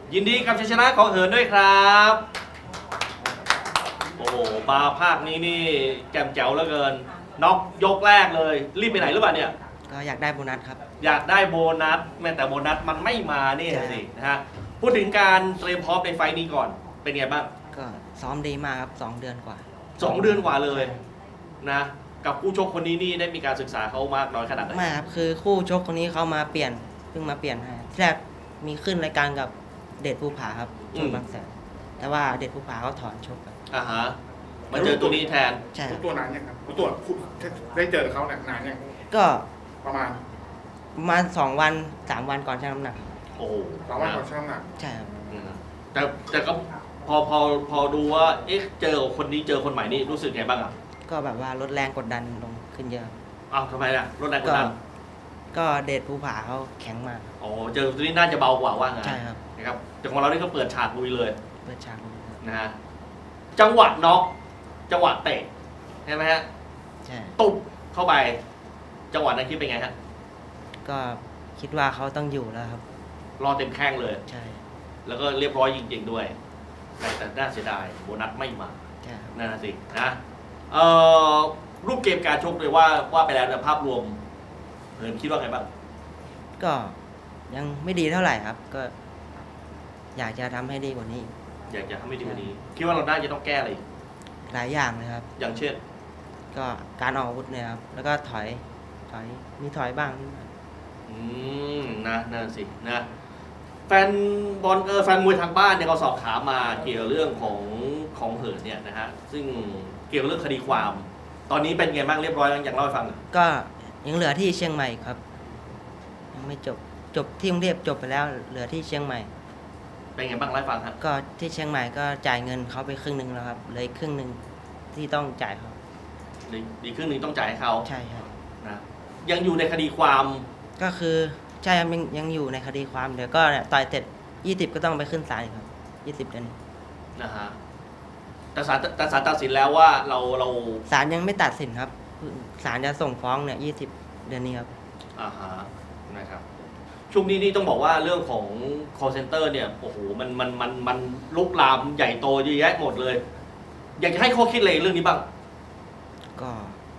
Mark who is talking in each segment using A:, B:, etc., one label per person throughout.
A: ยินดีกับชัยชนะของเหินด้วยครับโอ้โหมาภาคนี้นี่แจ่มแจ๋วเหลือเกินน็อกยกแรกเลยรีบไปไหนหรือเปล่าเนี่ย
B: ก็อยากได้โบนัสครับ
A: อยากได้โบนัสแม้แต่โบนัสมันไม่มาเนี่ย
B: ใช่
A: สินะฮะพูดถึงการเตรียมพร้อมในไฟล์นี้ก่อนเป็นไงบ้าง
B: ก็ซ้อมดีมากครับ2 เดือนกว่า
A: 2 เดือนกว่าเลยนะกับผู้ชกคนนี้นี่ได้มีการศึกษาเขามากน้อยขนาดไหน
B: ไม่ครับคือคู่ชกคนนี้เขามาเปลี่ยนเพิ่งมาเปลี่ยนให้ที่แรกมีขึ้นรายการกับเดชภูผาครับชนบางแสนแต่ว่าเดชภูผาเขาถอนชกไป
A: อ่าฮะมาเจอตัวนี้แทน
B: ใช่ค
C: รู้
B: รับ
C: ตัวนานยังครับรู้ตัวได้เจอเขาเนี่ยนานยัง
B: ก็
C: ประมาณ
B: 2 วัน 3 วันก่อนชั่งน้ำหนัก
A: โอ้โห
C: 2 วันก่อนช่างน้ำหนัก
B: ใช่ครับ
A: อืมแต่ก็พอดูว่าเอ๊ะเจอคนนี้เจอคนใหม่นี่รู้สึกไงบ้างอ่ะ
B: ก็แบบว่าลดแรงกดดันลงขึ้นเยอะครับ
A: อ้าวทำไมล่ะลดแรงกดดัน
B: ก็เดชภูผาเขาแข็งมาก
A: อ๋อเจอตัวนี้น่าจะเบากว่าว่างั้น
B: ใช่ครับ
A: นะครับแต่ของเรานี่ก็เปิดฉากลุยเลย
B: เปิดฉากเลยครับ
A: นะฮะจังหวะน็อกจังหวะเตะใช่ไหมฮะ
B: ใช่
A: ตุบเข้าไปจังหวะนั้นคิดเป็นไงฮะ
B: ก็คิดว่าเขาต้องอยู่แล้วครับ
A: รอเต็มแข้งเลย
B: ใช่
A: แล้วก็เรียบร้อยจริงๆด้วย แต่น่าเสียดายโบนัสไม่มา
B: ใช่ครับ
A: นั่นนะสินะเอ่อรูปเกมการชกเลยว่าไปแล้วในภาพรวมเหินคิดว่าไงบ้าง
B: ก็ยังไม่ดีเท่าไหร่ครับ ก็อยากจะทำให้ดีกว่านี้
A: อยากจะทำให้ดีกว่านี้ คิดว่าเราน่าจะต้องแก้อะไรอีก
B: หลายอย่างเลยครับ
A: อย่างเช่น
B: ก็การออกอาวุธเนี่ยครับ แล้วก็ถอยมีถอยบ้างนิดหน่อย
A: นะนั่นสินะแฟนบอลแฟนมวยทางบ้านเนี่ยเขาสอบถามมาเกี่ยวเรื่องของเหินเนี่ยนะฮะซึ่งเกี่ยวกับเรื่องคดีความ ตอนนี้เป็นไงบ้างเรียบร้อยแล้วอยากเล่าให้ฟังหน่อย
B: ก็ยังเหลือที่เชียงใหม่ครับ ยังไม่จบที่กรุงเทพจบไปแล้ว เหลือที่เชียงใหม่
A: เป็นไงบ้างเล่าให้ฟังครับ
B: ก็ที่เชียงใหม่ก็จ่ายเงินเขาไปครึ่งหนึ่งแล้วครับเหลืออีกครึ่งหนึ่งที่ต้องจ่ายเขา
A: ดีครึ่งหนึ่งต้องจ่ายให้เขา
B: ใช่ครับ
A: นะยังอยู่ในคดีความ
B: ก็คือใช่ครับยังอยู่ในคดีความเดี๋ยวก็เนี่ยต่อยเสร็จ20ก็ต้องไปขึ้นศาลอีกครับ20 เดือนนี้
A: นะฮะแต่ศาลตัดสินแล้วว่าเรา
B: ศาลยังไม่ตัดสินครับศาลจะส่งฟ้องเนี่ย20 เดือนนี้ครับ
A: อ่าฮะนะครับช่วงนี้นี่ต้องบอกว่าเรื่องของ call center เนี่ยโอ้โหมันลุกลามใหญ่โตเยอะแยะหมดเลย อยากจะให้ข้อคิดอะไรเรื่องนี้บ้าง
B: ก็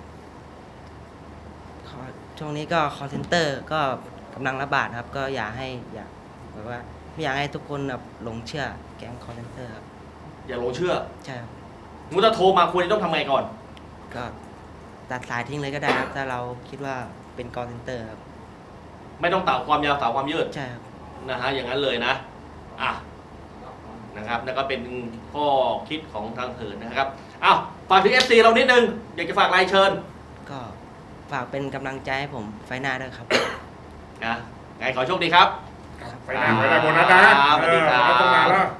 B: ช่วงนี้ก็ call center ก็กำลังระบาดครับ ก็อยากแบบว่าไม่อยากให้ทุกคนแบบหลงเชื่อแก๊ง call center ครับ
A: อย่าหลงเชื่อ
B: ใช่ครับ
A: มุถ้าโทรมาควรจะต้องทำไงก่อน
B: ก็ตัดสายทิ้งเลยก็ได้ครับถ้าเราคิดว่าเป็น call center ครับ
A: ไม่ต้องต่าความยาวต่าความยืด
B: ใช่ครับ
A: นะฮะอย่างนั้นเลยนะอ่ะนะครับนั่นก็เป็นข้อคิดของทางเหินนะครับอ้าวฝากถึง FC เรานิดนึงอยากจะฝากรายเชิญ
B: ก็ฝากเป็นกำลังใจให้ผมไฟหน้าด้วยครับ
A: นะไงขอโชคดีครับ
C: ไปหน้าไปได้โบนัสนะ
A: สวัสดีครับ
C: ไม่ต้องนานแล้ว